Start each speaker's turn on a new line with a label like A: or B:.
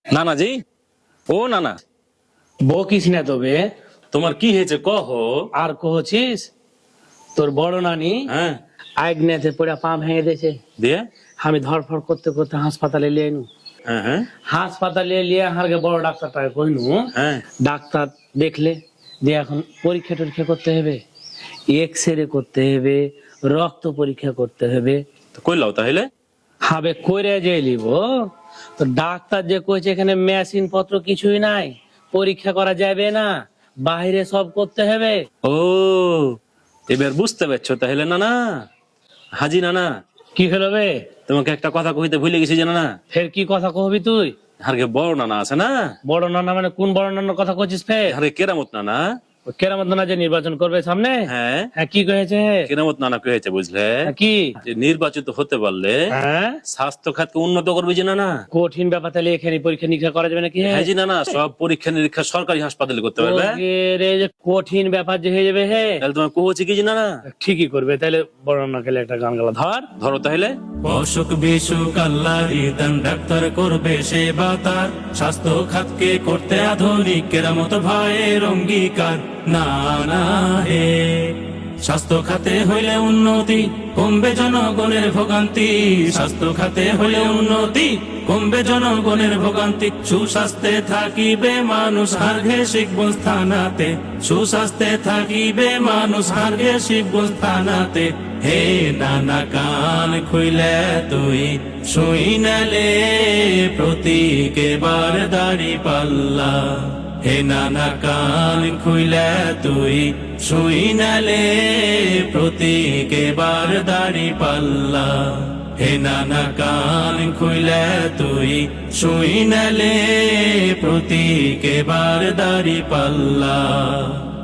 A: নানা জি, ও নানা,
B: বকিস না তবে।
A: তোমার কি হয়েছে কহ।
B: আর কহছিস তোর বড় নানি
A: হ্যাঁ,
B: আইগনেতে পড়ে পা ভেঙে দিয়েছে।
A: দিয়ে
B: আমি ধরফর করতে করতে হাসপাতালে লিয়ে নু।
A: হ্যাঁ হ্যাঁ
B: হাসপাতালে লিয়ে হারকে বড় ডাক্তারটাকে কইনু।
A: হ্যাঁ,
B: ডাক্তার দেখলে দিয়ে এখন পরীক্ষা টরীক্ষা করতে হবে, এক্স-রে করতে হবে, রক্ত পরীক্ষা করতে হবে।
A: তো কইলাও তাহলে।
B: হবে কইরে যে লিব। তো ডাক্তার যে কইছে এখানে মেশিন পত্র কিছুই নাই, পরীক্ষা করা যাবে না, বাইরে সব করতে হবে।
A: ও, এবার বুঝতে পারছো তাহলে নানা। হাজি নানা,
B: কি হলো বে?
A: তোমাকে একটা কথা কইতে ভুলে গেছি যে নানা।
B: ফের কি কথা কহবি তুই?
A: আরকে বড় নানা আছে না,
B: বড় নানা মানে কোন বড় নানার কথা কইছিস ফের?
A: আরে কেরামত নানা।
B: ওই কেরামত নানা যে নির্বাচন করবে সামনে,
A: হ্যাঁ,
B: হ্যাঁ কি কয়েছে?
A: কেরামত নানা কি হয়েছে বুঝলে,
B: হ্যাঁ, কি?
A: যে নির্বাচিত হতে পারলে
B: হ্যাঁ,
A: স্বাস্থ্য খাতকে উন্নত করবে যে নানা।
B: কঠিন ব্যাপার, তাহলে এখানে পরীক্ষা নিরীক্ষা করা যাবে নাকি?
A: হ্যাঁ জি নানা, সব পরীক্ষা নিরীক্ষা সরকারি হাসপাতালে করতে পারবে।
B: ওকে রে, যে কঠিন ব্যাপার যে হয়ে যাবে হে।
A: তাহলে তোমার কোহচ্ছে কি যে নানা।
B: ঠিকই করবে, তাহলে বড় নানা গেলে একটা গান গালা ধর।
A: ধরো তাহলে।
C: অসুখ বিসুখ আল্লাহরই দান, ডাক্তার করবে সেবা তার, স্বাস্থ্য খাতকে করতে আধুনিক কেরামত ভয়ের অঙ্গীকার। না না হে, স্বাস্থ্য খাতে হইলে উন্নতি, কমবে জনগণের ভোগান্তি। স্বাস্থ্য খাতে হইলে উন্নতি, কমবে জনগণের ভোগান্তি। সুস্বাস্থ্যে থাকিবে মানুষ, হারঘে শিখব স্থানাতে। সুস্বাস্থ্যে থাকিবে মানুষ, হারঘে শিখব স্থানাতে। হে নানা কান খুইলে তুই শুই নালে, প্রতীক এবার দাড়ি পাল্লা। হে নানা কান খুইলে তুই শুই নালে, প্রতীক এবার দাড়ি পাল্লা। হে নানা কান খুইলে তুই শুই নালে, প্রতীক এবার দাড়ি পাল্লা।